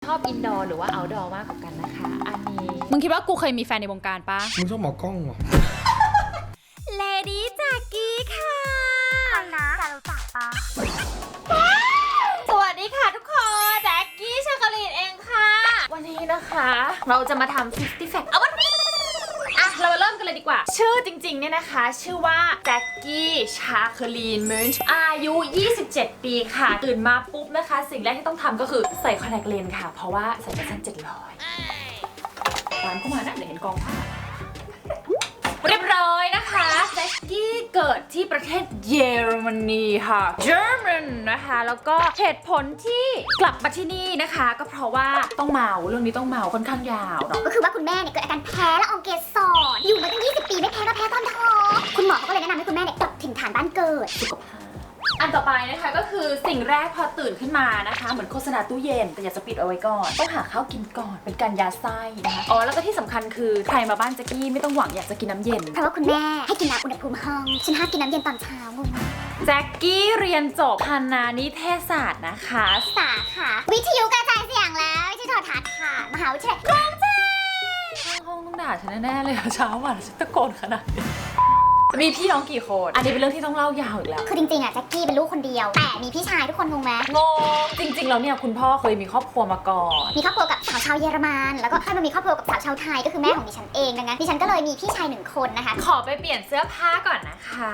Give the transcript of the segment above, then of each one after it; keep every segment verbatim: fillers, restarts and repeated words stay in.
อบอินดอร์หรือว่าเอาท์ดอร์มากกว่ากันนะคะอันนี้มึงคิดว่ากูเคยมีแฟนในวงการปะมึงชอบหมอกล้องเหรอเลดี้จากกี้ค่ะนะจะรู้จักปะสวัสดีค่ะทุกคนแจ็คกี้ชาคลีนเองค่ะวันนี้นะคะเราจะมาทำฟิฟตี้แฟกต์เอาวันนี้อ่ะเรามาเริ่มกันเลยดีกว่าชื่อจริงๆเนี่ยนะคะชื่อว่าแจ็คกี้ชาคลีนมินช์อายุยี่สิบเจ็ดปีค่ะตื่นมาปุ๊บนะคะสิ่งแรกที่ต้องทำก็คือใส่คอนแทคเลนส์ค่ะเพราะว่าใส่ไปสั้นเจ็ดร้อยตามเข้ามานะเดี๋ยวเห็นกองผ้าเรียบร้อยนะคะแจ็คกี้เกิดที่ประเทศเยอรมนีค่ะ German นะคะแล้วก็เหตุผลที่กลับมาที่นี่นะคะก็เพราะว่าต้องเมาเรื่องนี้ต้องเมาค่อนข้างยาวเนาะก็คือว่าคุณแม่เนี่ยเกิดอาการแพ้ละอองเกสรอยู่มาตั้งยี่สิบปีไม่แพ้ก็แพ้ตอนท้องคุณหมอเขาก็เลยแนะนำให้คุณแม่เนี่ยกลับถิ่นฐานบ้านเกิดอันต่อไปนะคะก็คือสิ่งแรกพอตื่นขึ้นมานะคะเหมือนโฆษณาตู้เย็นแต่อยากจะปิดเอาไว้ก่อนต้องหาข้าวกินก่อนเป็นการยาไส้นะคะอ๋อแล้วก็ที่สำคัญคือใครมาบ้านแจ็คกี้ไม่ต้องหวังอยากจะกินน้ำเย็นเพราะว่าคุณแม่ให้กินน้ำอุณหภูมิห้องฉันห้ามกินน้ำเย็นตอนเช้างงแจ็คกี้เรียนจบคณะนิเทศศาสตร์นะคะสาขาวิทยุกระจายเสียงแล้ววิทยุโทรทัศน์ค่ะมหาวิทยาลัยกรุงเทพข้างห้องต้องด่าฉันแน่ๆเลยอะเช้าวันฉันตะโกนขนาดนี้มีพี่น้องกี่คนอันนี้เป็นเรื่องที่ต้องเล่ายาวอีกแล้วคือจริงๆอ่ะแจ็คกี้เป็นลูกคนเดียวแต่มีพี่ชายทุกคนงงไหมงงจริงๆแล้วเนี่ยคุณพ่อเคยมีครอบครัวมาก่อนมีครอบครัวกับสาวชาวเยอรมันแล้วก็ค่อยมามีครอบครัวกับสาวชาวไทยก็คือแม่ของดิฉันเองดังนั้นดิฉันก็เลยมีพี่ชายหนึ่งคนนะคะขอไปเปลี่ยนเสื้อผ้าก่อนนะคะ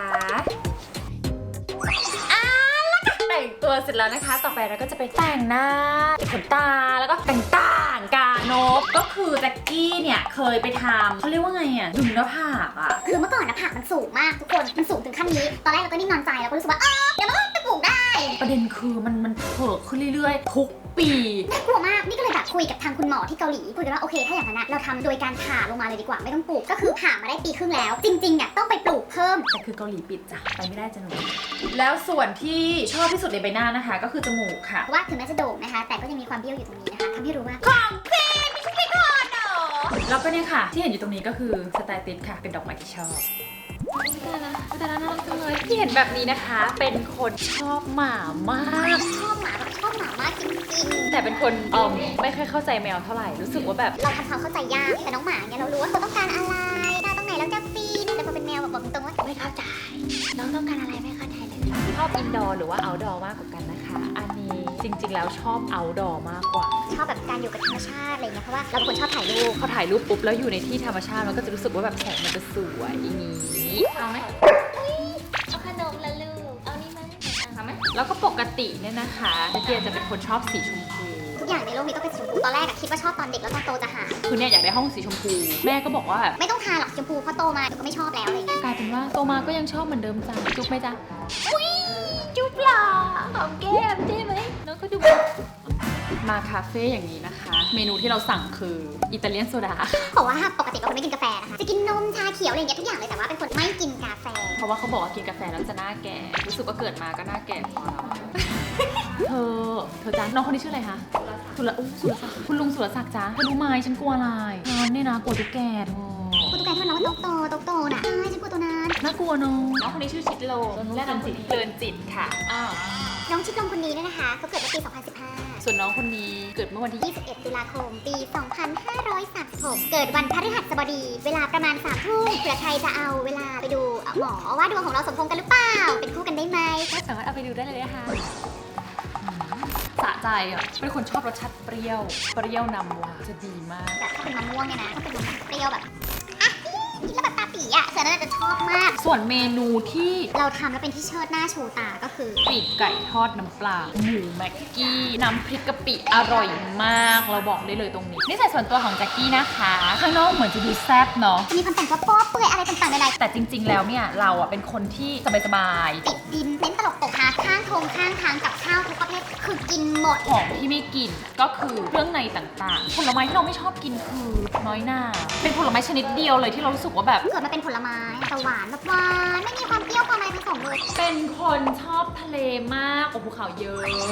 อ่าแล้วก็แต่งตัวเสร็จแล้วนะคะ ต่อไปเราก็จะไปแต่งหน้าติดขนตาแล้วก็แต่งต่างกานบก็คือแจ็คกี้เนี่ยเคยไปทำเขาเรียกว่าไงอ่ะดึงหน้าผากอ่ะคือเมื่อก่อนนะผักมันสูงมากทุกคนมันสูงถึงขั้นนี้ตอนแรกเราก็นิ่งนอนใจเราก็รู้สึกว่าเออเดี๋ยวมันก็ไปปลูกได้ประเด็นคือมันมันเพิ่มขึ้นเรื่อยๆทุกปีน่ากลัวมากนี่ก็เลยแบบคุยกับทางคุณหมอที่เกาหลีคุยกันว่าโอเคถ้าอย่างนั้นนะเราทำโดยการผ่าลงมาเลยดีกว่าไม่ต้องปลูกก็คือผ่ามาได้ปีครึ่งแล้ว จริงๆเนี่ยต้องไปปลูกเพิ่มแต่คือเกาหลีปิดจ้ะไปไม่ได้จ้ะหนูแล้วส่วนที่ชอบที่สุดในใบหน้านะคะ ก็คือจมูกค่ะเพราะว่าถึงแม้จะโด่งนะคะแต่ก็ยังมีความเบี้ยวอยู่ตรงนี้นะคะทำให้รู้ว่าของจริงไม่ใช่ไม่ก่อนเนาะแล้วก็เนี่ยค่ะ ที่เห็นอยู่ตรงนี้ก็คือสไตล์ติดค่ะ เป็นดอกไม้ที่ชอบแต่ละแต่ละน่ารักจังเลยที่เห็นแบบนี้นะคะ เป็นคนชอบหมามากชอบหมาแบบชอบหมามากจริงแต่เป็นคนเอมไม่ค่อยเข้าใจแมวเท่าไหร่รู้สึกว่าแบบๆเราทำความเข้าใจยากแต่น้องหมาเนี่ยเรารู้ว่าเขาต้องการอะไรตาตรงไหนแล้วจะฟีนแต่พอเป็นแมวแบบบอกตรงๆว่าไม่เข้าใจน้องต้องการอะไรไม่เข้าใจเลยชอบอินดอร์หรือว่าเอาท์ดอร์มากกว่ากันนะคะอันนี้จริงๆแล้วชอบเอาท์ดอร์มากกว่าชอบแบบการอยู่กับธรรมชาติอะไรเงี้ยเพราะว่าเราเป็นคนชอบถ่ายรูปพอถ่ายรูปปุ๊บแล้วอยู่ในที่ธรรมชาติมันก็จะรู้สึกว่าแบบแสงมันจะสวยอย่างนี้เอาไหมเอาขนมละลูกเอานี่ไหมเอาไหมแล้วก็ปกติเนี่ยนะคะเดียจะเป็นคนชอบสีชมพูทุกอย่างในโลกนี้ต้องเป็นสีชมพูตอนแรกอะคิดว่าชอบตอนเด็กแล้วตอนโตจะหายคือเนี่ยอยากได้ห้องสีชมพูแม่ก็บอกว่าแบบไม่ต้องทาหรอกชมพูเพราะโตมาเดี๋ยวก็ไม่ชอบแล้วอะไรเงี้ยกลายเป็นว่าโตมาก็ยังชอบเหมือนเดิมจ้ะจุ๊บไหมจ๊ะจุ๊บหล่อหอมแก้มใช่ไหมแล้วก็ดูมาคาเฟ่อย่างนี้นะคะ เมนูที่เราสั่งคืออิตาเลียนโซดาเพราะว่าปกติเป็นคนไม่กินกาแฟนะคะจะกินนมชาเขียวอะไรเงี้ยทุกอย่างเลยแต่ว่าเป็นคนไม่กินกาแฟเพราะว่าเขาบอกว่ากินกาแฟแล้วจะหน้าแก่ รู้สึกว่าเกิดมาก็หน้าแก่พอแล้วอะเธอ เธอจ้าน้องคนนี้ชื่ออะไรคะสุรอุ๊ยสุรศักดิ์คุณลุงสุรศักดิ์จ้าเธอรู้ไหมฉันกลัวอะไรฉันเนี่ยนะกลัวตุ๊กแกเธอคุณตุ๊กแกที่มันร้องว่าโตโตโตโตน่ะใช่ฉันกลัวตัวนั้นน่ากลัวเนอะน้องคนนี้ชื่อชิดโลและน้องจิตเดินจิตค่ะอ้าวน้องชิดลมคนนี้เนี่ยนะคะเขาเกิดเมื่อปี สองพันสิบห้าส่วนน้องคนนี้เกิดเมื่อวันที่ยี่สิบเอ็ด ตุลาคม ปี สองพันห้าร้อยสามสิบหก เกิดวันพฤหัสบดี เวลาประมาณสามทุ่มเผื่อใครจะเอาเวลาไปดูหมอว่าดวงของเราสมพงษ์กันหรือเปล่า เป็นคู่กันได้ไหมก็สามารถเอาไปดูได้เลยนะคะสะใจอ่ะเป็นคนชอบรสชาติเปรี้ยว เปรี้ยวนำหวานจะดีมากแบบถ้าเป็นมะม่วงเนี่ยนะถ้าเป็นมะม่วงเปรี้ยวแบบอ่ะกินแล้วแบบตาปีอ่ะเสือน่าจะชอบมากส่วนเมนูที่เราทำแล้วเป็นที่เชิดหน้าชูตาก็คือปีกไก่ทอดน้ำปลา หมูแม็กกี้ น้ำพริกกะปิอร่อยมาก เราบอกได้เลยตรงนี้นี่ใส่ส่วนตัวของแจ็คกี้นะคะ ข้างนอกเหมือนจะดูแซ่บเนาะจะมีคนแต่งตัวโป๊ะเปื่อยอะไรต่างๆใดแต่จริงๆแล้วเนี่ยเราอ่ะเป็นคนที่สบายๆติดดินเน้นตลกตกฮาข้างโถงข้างทางกับข้าวทุกประเภทคือกินหมดๆของที่ไม่กินก็คือเครื่องในต่างๆ ผลไม้ที่เราไม่ชอบกินคือน้อยหน้า เป็นผลไม้ชนิดเดียวเลยที่เรารู้สึกว่าแบบเกิดมาเป็นผลไม้แต่หวานแบบหวานไม่มีความเปรี้ยวความอะไรผสมเลยเป็นคนชอบทะเลมากโอ้ภูเขาเยอะ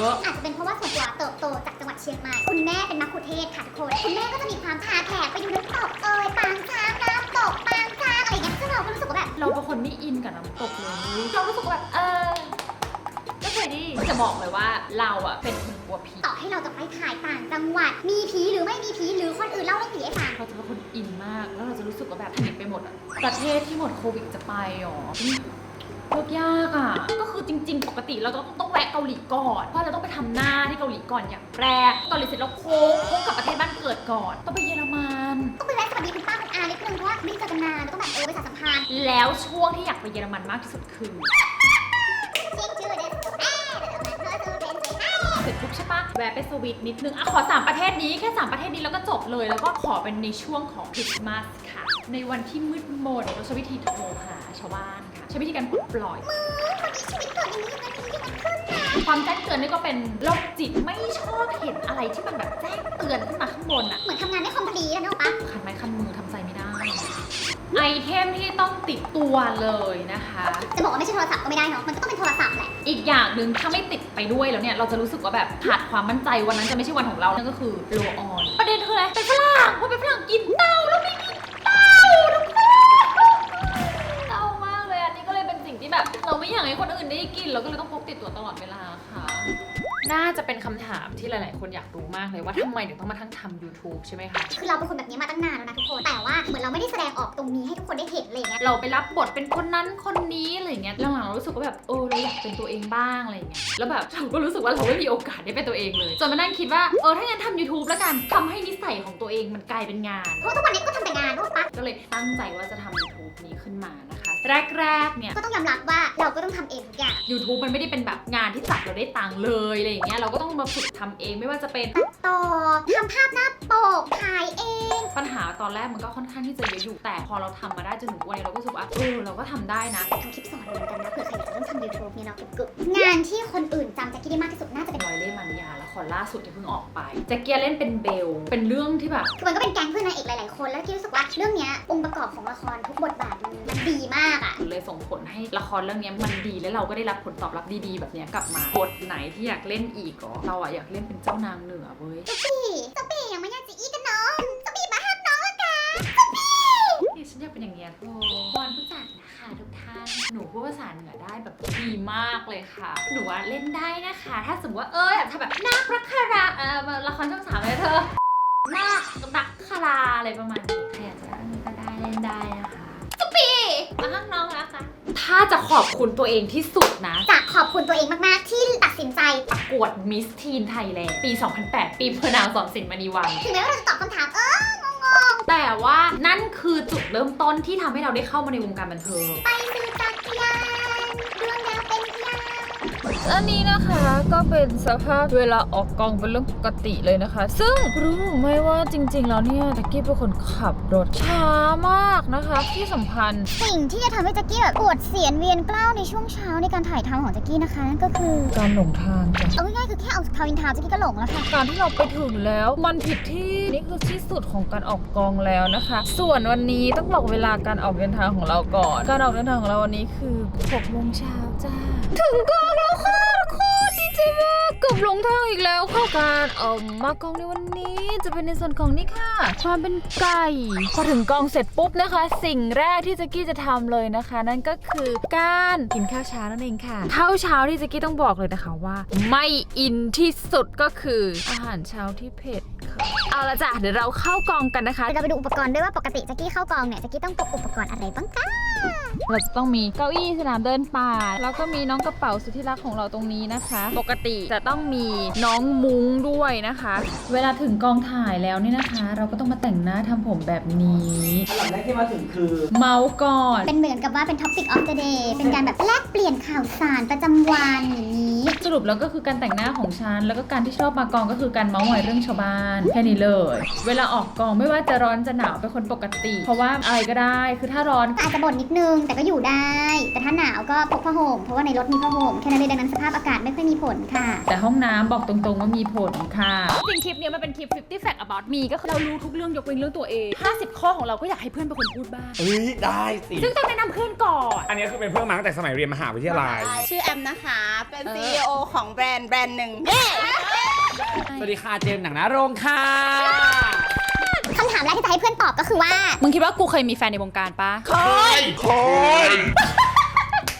อาจจะเป็นเพราะว่าส่วนตัวเติบโตจากจังหวัดเชียงใหม่คุณแม่เป็นมัคคุเทศก์ค่ะทุกคนคุณแม่ก็จะมีความพาแขกไปดูน้ำตกเอ่ยปางช้างน้ำตกปางช้างอะไรอย่างเงี้ยซึ่งเราก็รู้สึกว่าแบบเราเป็นคนไม่อินกับน้ำตกเลยเรารู้สึกว่าแบบเออก็เคยดีจะบอกเลยว่าเราอะเป็นคนกลัวผีต่อให้ให้เราจะไปถ่ายต่างจังหวัดมีผีหรือไม่มีผีหรือคนอื่นเล่าเรื่องผีให้ฟังเราจะเป็นคนอินมากแล้วเราจะรู้สึกว่าแบบแพนิคไปหมดอะประเทศที่หมดโควิดจะไปหรอเลือกยากอ่ะก็คือจริงๆปกติเราต้องต้องแวะเกาหลีก่อนเพราะเราต้องไปทำหน้าที่เกาหลีก่อนอย่างแรกเกาหลีเสร็จแล้วโค้งโค้งกลับประเทศบ้านเกิดก่อนต้องไปเยอรมันต้องไปแวะสวัสดีคุณป้าคุณอานิดนึงเพราะว่าไม่ได้เจอกันนานต้องแบบเออไปสานสัมพันธ์แล้วช่วงที่อยากไปเยอรมันมากที่สุดคือเช็คชื่อเด็ดเอ๊ะเธอเธอเป็นใครเสร็จปุ๊บใช่ปะแวะไปสวิตนิดนึงอ่ะขอสามประเทศนี้แค่สามประเทศนี้แล้วก็จบเลยแล้วก็ขอเป็นในช่วงของคริสต์มาสค่ะในวันที่มืดมนเราใช้วิธีโทรหาชาวบ้านค่ะใช้วิธีการปลดปล่อยคนนี้ชีวิตเกิดอย่างนี้อย่างนั้นอย่างนี้อย่างนั้นขึ้นนะความแจ้งเตือนนี่ก็เป็นโรคจิตไม่ชอบเห็นอะไรที่มันแบบแจ้งเตือนขึ้นมาข้างบนอะเหมือนทำงานได้คอมพลีแล้วเนาะปะคันไม้คันมือทำใจไม่ได้ ไอเทมที่ต้องติดตัวเลยนะคะจะบอกว่าไม่ใช่โทรศัพท์ก็ไม่ได้เนาะมันก็ต้องเป็นโทรศัพท์แหละอีกอย่างหนึ่งถ้าไม่ติดไปด้วยแล้วเนี่ยเราจะรู้สึกว่าแบบขาดความมั่นใจวันนั้นจะไม่ใช่วันของเรานั่นก็คือโลออนประเด็นคืออะไรเป็นฝรั่งพอเป็นฝรั่งกินเต้าแล้วไม่กินเต้าทุกคนเต้ามากเลยอันนี้ก็เลยเป็นสิ่งที่แบบเราไม่อยากให้คนอื่นได้กินเราก็เลยต้องพกติดตัวตลอดเวลาค่ะ น่าจะเป็นคำถามที่หลาย ๆ คนอยากรู้มากเลยว่าทำไมถึงต้องมาทั้งทำ YouTube ใช่ไหมคะคือเราเป็นคนแบบนี้มาตั้งนานแล้วนะทุกคน แต่ว่าเหมือนเราไม่ได้แสดงออกตรงนี้ให้ทุกคนได้เห็นอะไรอย่างเงี้ยเราไปรับบทเป็นคนนั้นคนนี้อะไรอย่างเงี้ยหลังๆเรารู้สึกว่าแบบเออเราอยากเป็นตัวเองบ้างอะไรอย่างเงี้ยแล้วแบบเราก็รู้สึกว่าเราไม่มีโอกาสได้เป็นตัวเองเลยจนมานั่งคิดว่าเออถ้างั้นทำ YouTube แล้วกันทำให้นิสัยของตัวเองมันกลายเป็นงานเพราะทุกวันนี้ก็ทำแต่งานรู้ปะก็เลยตั้งใจว่าจะทำ YouTube นี้ขึ้นมานะคะ แรก ๆ เนี่ยก็ต้องยอมรับว่าเราก็ต้องทำเองทุกอย่าง YouTube มันไม่ได้เป็นแบบงานที่จับเราได้ตังค์เลยอะไรอย่างเงี้ยเราก็ต้องมาฝึกทำเองไม่ว่าจะเป็นต่อทำภาพหน้าปกถ่ายเองปัญหาตอนแรกมันก็ค่อนข้างที่จะเยอะอยู่แต่พอเราทำมาได้จนถึงวันนี้เราก็รู้สึกว่าเออเราก็ทำได้นะทำคลิปสอนเหมือนกันนะเผื่อใครอยากจะเริ่มทำ YouTube เนี่ยเนาะกึบๆงานที่คนอื่นจำแจ็คกี้ได้มากที่สุดน่าจะเป็นรอยเล่ห์มันยาละครล่าสุดที่เพิ่งออกไปแจ็คเกียเล่นเป็นเบลเป็นเรื่องที่แบบคือมันก็เป็นแก๊งเพื่อนนางเอกหลายๆคนแล้วกี้รู้สึกว่าเรื่องเนี้ยองค์ประกอบของละครทุกบทบาทมันมันดีมากอะเลยส่งผลให้ละครเรื่องนี้มันดีและเราก็ได้รับผลตอบรับดีๆแบบเนี้ยกลับมาบทไหนที่อยากเล่นอีกก็เราอะอยากเล่นเป็นเจ้านางเหนือเว้ยพี่เจ้าปียังไม่อยากจะอีกันน้องเจ้าปีมาห้ามน้องอะค่ะนี่ฉันอยากเป็นอย่างเงี้ยโธ่วอนผู้จัดนะคะทุกท่านหนูพูดภาษาเหนือได้แบบดีมากเลยค่ะหนูว่าเล่นได้นะคะ ถ้าสมมติว่าเอออยากทำแบบนาครักคาราเออละครช่องสามเลยเธอนาครักคาราอะไรประมาณนี้ใครอยากจะเล่นก็ได้เล่นได้นะคะปีมาห้างน้องนะคะถ้าจะขอบคุณตัวเองที่สุดนะจะขอบคุณตัวเองมากๆที่ตัดสินใจประกวดมิสทีนไทยแลนด์ปี สองพันแปด ปีพระนางสอนศิลป์มณีวันถึงแม้ว่าเราจะตอบคำถามเออแต่ว่านั่นคือจุดเริ่มต้นที่ทำให้เราได้เข้ามาในวงการบันเทิงไปซื้อจักรยานเรื่องราวเป็นพยานอันนี้นะคะก็เป็นสภาพเวลาออกกองเป็นเรื่องปกติเลยนะคะ ซึ่งรู้หรือไม่ว่าจริงๆแล้วเนี่ยแจ็คกี้เป็นคนขับรถช้ามากนะคะที่สำคัญสิ่งที่จะทำให้แจ็คกี้แบบปวดเสียนเวียนกล้าวในช่วงเช้าในการถ่ายทำของแจ็คกี้นะคะนั่นก็คือการหลงทางจ้ะเอาง่ายๆคือแค่เอาทาวินทาวน์แจ็คกี้ก็หลงแล้วค่ะการที่เราไปถึงแล้วมันผิดที่นี่คือที่สุดของการออกกองแล้วนะคะ ส่วนวันนี้ต้องบอกเวลาการออกเดินทางของเราก่อน การออกเดินทางของเราวันนี้คือหกโมงเช้าจ้าถึงกองแล้วค่ะทุกคนดีใจมากเกือบหลงทางอีกแล้วค่ะการเอ่อมากองในวันนี้จะเป็นในส่วนของนี่ค่ะ ความเป็นไก่พอถึงกองเสร็จปุ๊บนะคะ สิ่งแรกที่แจ็คกี้จะทำเลยนะคะ นั่นก็คือการกินข้าวเช้านั่นเองค่ะข้าวเช้าที่แจ็คกี้ต้องบอกเลยนะคะว่า ไม่อินที่สุดก็คืออาหารเช้าที่เผ็ดค่ะเอาละจ้ะเดี๋ยวเราเข้ากองกันนะคะเราไปดูอุปกรณ์ด้วยว่าปกติแจ็คกี้เข้ากองเนี่ยแจ็คกี้ต้องพกอุปกรณ์อะไรบ้างคะเราจะต้องมีเก้าอี้สนามเดินป่าแล้วก็มีน้องกระเป๋าสุดที่รักของเราตรงนี้นะคะ ปกติจะต้องมีน้องมุ้งด้วยนะคะเวลาถึงกองถ่ายแล้วนี่นะคะ เราก็ต้องมาแต่งหน้าทำผมแบบนี้อันดับแรกที่มาถึงคือเมาส์ก่อนเป็นเหมือนกับว่าเป็น topic of the day เป็นการแบบแลกเปลี่ยนข่าวสารประจำวันอย่างนี้สรุปแล้วก็คือการแต่งหน้าของฉันแล้วก็การที่ชอบมากองก็คือการเมาส์มอยเรื่องชาวบ้านแค่นี้เลย เวลาออกกองไม่ว่าจะร้อนจะหนาวเป็นคนปกติ เพราะว่าอะไรก็ได้คือถ้าร้อนก็อาจจะบ่นนิดนึงแต่ก็อยู่ได้ แต่ถ้าหนาวก็พกผ้าห่มเพราะว่าในรถมีผ้าห่มแค่นั้นเลยดังนั้นสภาพอากาศไม่ค่อยมีผลค่ะแต่ห้องน้ำบอกตรงๆว่ามีผลค่ะจริงคลิปนี้มันเป็นคลิปห้าสิบ fact about me ก็คือเรารู้ทุกเรื่องยกเว้นเรื่องตัวเอง ห้าสิบ ข้อของเราก็อยากให้เพื่อนเป็นคนพูดบ้างเฮ้ย ได้สิซึ่งต้องแนะนำเพื่อนก่อนอันนี้คือเป็นเพื่อนมาตั้งแต่สมัยเรียนมหาวิทยาลัยชื่อแอมนะคะ เป็น ซี อี โอ ของแบรนด์แบรนด์หนึ่งสวัสดีค่ะ เจมส์หนังหน้าโรงค่ะคำถามแรกที่จะให้เพื่อนตอบก็คือว่ามึงคิดว่ากูเคยมีแฟนในวงการปะเคยเคย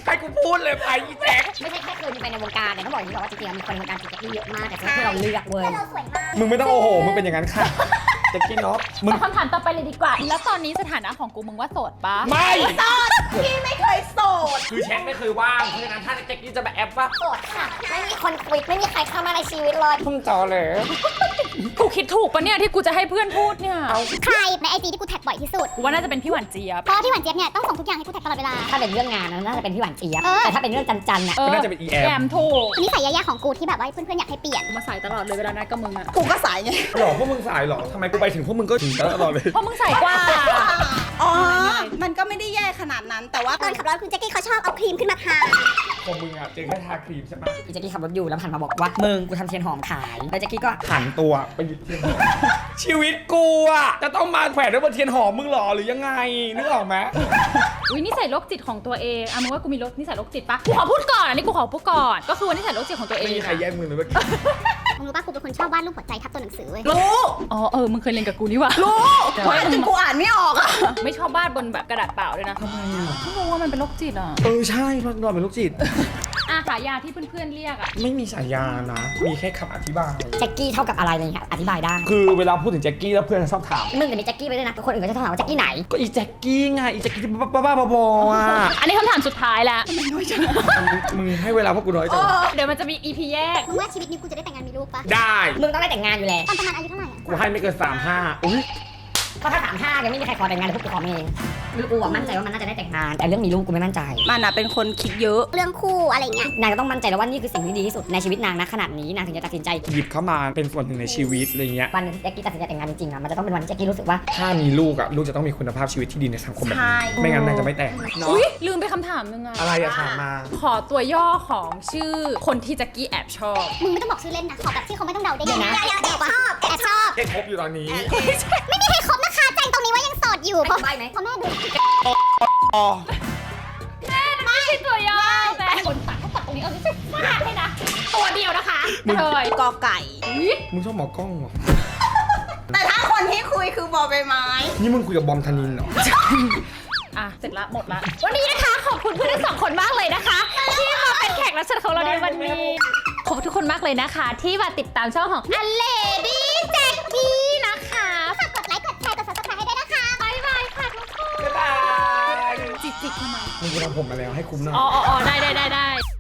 ให้กูพูดเลยไปอีแจ็คไม่ใช่แค่เคยมีไปในวงการแต่ต้องบอกอย่างนี้ก่อนว่าจริงๆมีคนในวงการจีแจ็คกี้เยอะมากแต่ที่เราเลือกเว้ยเราสวยมากมึงไม่ต้องโอ้โหมึงเป็นอย่างนั้นค่ะแจ็คกี้เนาะมึงคำถามต่อไปเลยดีกว่า แล้วตอนนี้สถานะของกูมึงว่าโสดปะไม่พี่ไม่เคยโสดคือแชทไม่เคยว่างเพราะฉะนั้นถ้าแจ็คกี้จะมาแอปว่าโสดค่ะ ไม่มีคนคุยไม่มีใครเข้ามาในชีวิตเลยมึงจอเลยกูคิดถูกปะเนี่ยที่กูจะให้เพื่อนพูดเนี่ยใครในไอจีที่กูแท็กบ่อยที่สุดกูว่าน่าจะเป็นพี่หวานเจี๊ยบเพราะว่าพี่หวานเจี๊ยบเนี่ยต้องส่งทุกอย่างให้กูแท็กตลอดเวลาถ้าเป็นเรื่องงานนะน่าจะเป็นพี่หวานเจี๊ยบเออแต่ถ้าเป็นเรื่องจันๆน่ะเออน่าจะเป็น อี แอมแอมถูกนิสัยแย่ๆของกูที่แบบว่าเพื่อนๆอยากให้เปลี่ยนมาใส่ตลอดเลยเวลานัดกับมึงอะกูก็สายไงหรอพวกมึงสายหรอทำไมกูไปถึงพวกมึงก็ถึงตลอดเลยเพราะมึงใส่กว่าอ๋อ มันก็ไม่ได้แย่ขนาดนั้น แต่ว่าตอนขับรถคุณแจ็คกี้เขาชอบเอาครีมขึ้นมาทาของมึงอ่ะเจอแค่ทาครีมใช่ไหมอีแจ็คกี้ขับรถอยู่แล้วหันมาบอกว่ามึงกูทำเทียนหอมขายแล้วแจ็คกี้ก็หันตัวไปหยิบเทียนหอมชีวิตกูอ่ะจะต้องมาแขวนด้วยบนเทียนหอมมึงหรอหรือยังไงนึกออกไหมอุ้ยนิสัยโรคจิตของตัวเองอ่ะมึงว่ากูมีรถนิสัยโรคจิตปะกูขอพูดก่อนอันนี้กูขอพูดก่อนก็คือว่านิสัยโรคจิตของตัวเอไม่งมีใครแย่งมึงเลยเมื่อกี้มึงรู้ป่ะกูเป็นคนชอบวาดรูปหัวใจทับตัวหนังสือเว้ยรู้อ๋อเออมึงเคยเรียนกับกูนี่หว่ารู้ว่าจนกูอ่านไม่ออกอะไม่ชอบวาดบนแบบกระดาษเปล่าเลยนะทำไมอ่ะไม่รู้ว่ามันเป็นโรคจิตอ่ะเออใช่พักนอนเป็นลูกจิตอ่ะฉายาที่เพื่อนๆเรียกอ่ะไม่มีฉายานะ มีแค่คำอธิบายแจ็คกี้เท่ากับอะไรอะไรเงี้ยอธิบายได้คือเวลาพูดถึงแจ็คกี้แล้วเพื่อนจะชอบถามมึงกับนี่แจ็คกี้ไปด้วยนะคนอื่นก็จะถามว่าแจ็คกี้ไหนก็อีแจ็คกี้ไงอีแจ็คกี้ที่บ้าๆบอๆอ่ะอันนี้คำถามสุดท้ายแล้วมึงให้เวลาพวกกูน้อยจังเดี๋ยวมันจะมี อี พี แยกมึงว่าชีวิตนี้กูจะได้แต่งงานมีลูกปะได้มึงต้องได้แต่งงานอยู่แล้วตอนประมาณอายุเท่าไหร่อะกูให้ไม่เกินสามห้าอุ้ยเพราะถ้าสามห้ายังไม่มีใครขอแต่งงานเลยพวกกูขอเองคือกูอะมั่นใจว่ามันน่าจะได้แต่งงาน แต่เรื่องมีลูกกูไม่มั่นใจมันอะเป็นคนคิดเยอะเรื่องคู่อะไรเงี้ยนางก็ต้องมั่นใจแล้วว่านี่คือสิ่งที่ดีที่สุดในชีวิตนางนะขนาดนี้นางถึงจะตัดสินใจหยิบเข้ามาเป็นส่วนหนึ่งในชีวิตอะไรเงี้ยวันหนึงที่แจ็คกี้ตัดสินใจแต่งงานจริงๆอะมันจะต้องเป็นวันที่แจ็คกี้รู้สึกว่าถ้ามีลูกอ่ะลูกจะต้องมีคุณภาพชีวิตที่ดีในสังคมแบบใช่นี้ไม่งั้นนางจะไม่แต่งเนาะอุ้ยลืมไปคำถามนึงอะอะไรอะถามมาขอตัวย่อของชื่อคนที่แจ็คกี้แอบชอบมึงไม่ต้องบอกชื่อเล่นนะ ขอแบบที่เขาไม่ต้องเดาได้เดี๋ยวนะแอบชอบแอบชอบแค่ครบอยู่ตอนนี้ไม่มีใครคบนะคะแจ้งตรงนี้ว่ายังโสดอยู่เพราะใบ้ไหมเพราะแม่ดูอ๋อไม่ใช่ตัวย่อแต่คนตัดเขาตัดตรงนี้เอาจะฟาดให้นะ ตัวเดียวนะคะกระเทยกอไก่มึงชอบหมอกล้องเหรอแต่ถ้าคนที่คุยคือบอใบไม้นี่มึงคุยกับบอมธนินเหรออ่ะ เสร็จละหมดละ วันนี้นะคะ ขอบคุณเพื่อนทั้งสองคนมากเลยนะคะ ที่มาเป็นแขกรับเชิญของเราในวันนี้ ขอบคุณทุกคนมากเลยนะคะ ที่มาติดตามช่องของอเลดี้แจ็คกี้นะคะฝากกดไลค์ กดแชร์ กด ซับสไครบ์ให้ด้วยนะคะบ๊ายบายค่ะทุกคนบ๊ายบายจิกจิกทำไมมึงจะทำผมมาแล้วให้คุ้มหน่อยอ๋ออ๋อได้ได้ได้ได้